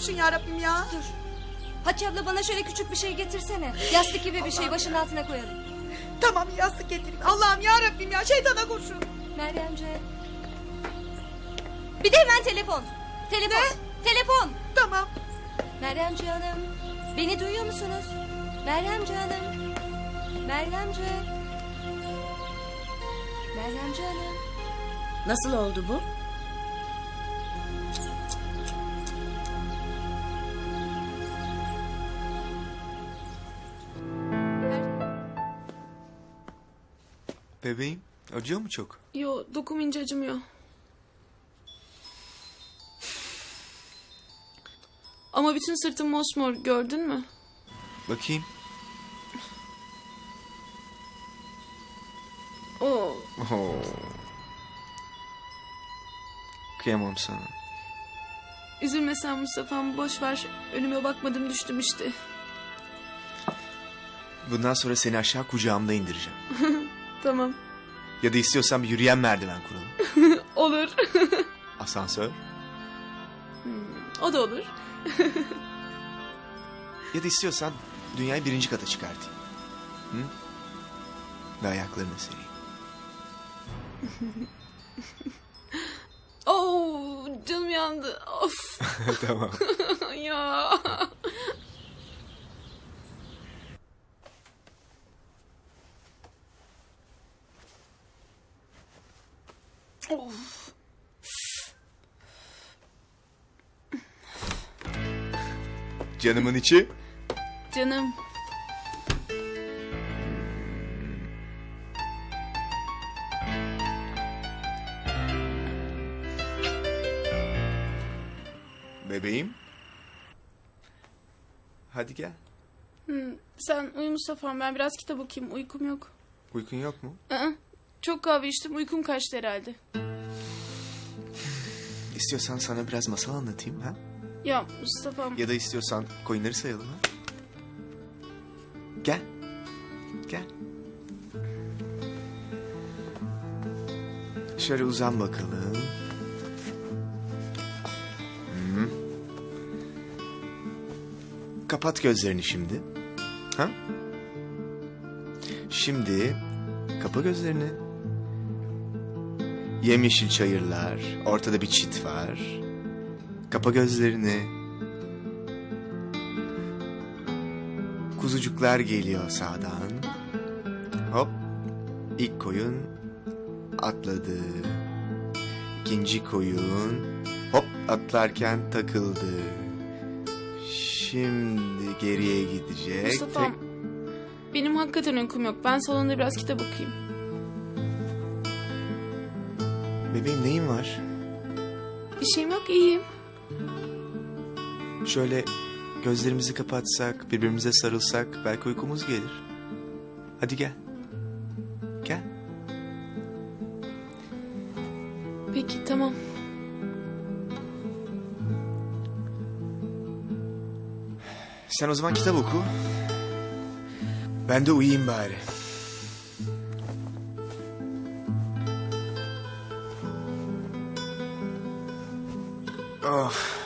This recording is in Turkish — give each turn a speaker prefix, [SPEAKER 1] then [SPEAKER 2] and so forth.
[SPEAKER 1] kurşun ya Rabbim ya.
[SPEAKER 2] Dur. Hatice abla bana şöyle küçük bir şey getirsene. Yastık gibi bir şey başın altına koyalım.
[SPEAKER 1] Tamam yastık getireyim. Allah'ım ya Rabbim ya, şeytana kurşun.
[SPEAKER 2] Meryemce. Bir de hemen telefon. Telefon.
[SPEAKER 1] Ne?
[SPEAKER 2] Telefon.
[SPEAKER 1] Tamam.
[SPEAKER 2] Meryemce Hanım. Beni duyuyor musunuz? Meryemce Hanım. Meryemce. Meryemce Hanım.
[SPEAKER 3] Nasıl oldu bu?
[SPEAKER 4] Bebeğim, acıyor mu çok?
[SPEAKER 5] Yo, dokununca acımıyor. Ama bütün sırtım mosmor, gördün mü?
[SPEAKER 4] Bakayım.
[SPEAKER 5] Oo,
[SPEAKER 4] Oo. Kıyamam sana.
[SPEAKER 5] üzülme sen Mustafa'm, boş ver. Önüme bakmadım, düştüm işte.
[SPEAKER 4] Bundan sonra seni aşağı kucağımda indireceğim.
[SPEAKER 5] Tamam,
[SPEAKER 4] Ya da istiyorsan bir yürüyen merdiven kuralım.
[SPEAKER 5] olur.
[SPEAKER 4] Asansör.
[SPEAKER 5] O da olur.
[SPEAKER 4] Ya da istiyorsan dünyayı 1. kata çıkartayım. Hı? Ve ayaklarına sereyim.
[SPEAKER 5] Oo, canım yandı. Of.
[SPEAKER 4] Tamam.
[SPEAKER 5] Ya. Of.
[SPEAKER 4] Canımın içi.
[SPEAKER 5] Canım.
[SPEAKER 4] Bebeğim. Hadi gel.
[SPEAKER 5] Sen uyu Mustafa'm, ben biraz kitap okuyayım, uykum yok.
[SPEAKER 4] Uykun yok mu?
[SPEAKER 5] Çok kahve içtim, uykum kaçtı herhalde.
[SPEAKER 4] İstiyorsan sana biraz masal anlatayım ha?
[SPEAKER 5] Ya Mustafa'm.
[SPEAKER 4] Ya da istiyorsan koyunları sayalım ha? Gel. Gel. Şöyle uzan bakalım. Hı. Kapat gözlerini şimdi. Ha? Şimdi kapa gözlerini. Yemyeşil çayırlar, ortada bir çit var. Kapa gözlerini. Kuzucuklar geliyor sağdan. Hop. İlk koyun atladı. İkinci koyun hop atlarken takıldı. Şimdi geriye gidecek.
[SPEAKER 5] Mustafa'm, benim hakikaten uykum yok. Ben salonda biraz kitap okuyayım.
[SPEAKER 4] Bebeğim neyin var?
[SPEAKER 5] Bir şeyim yok, iyiyim.
[SPEAKER 4] Şöyle gözlerimizi kapatsak, birbirimize sarılsak belki uykumuz gelir. Hadi gel. Gel.
[SPEAKER 5] Peki, tamam.
[SPEAKER 4] Sen o zaman kitap oku. Ben de uyuyayım bari. Oh.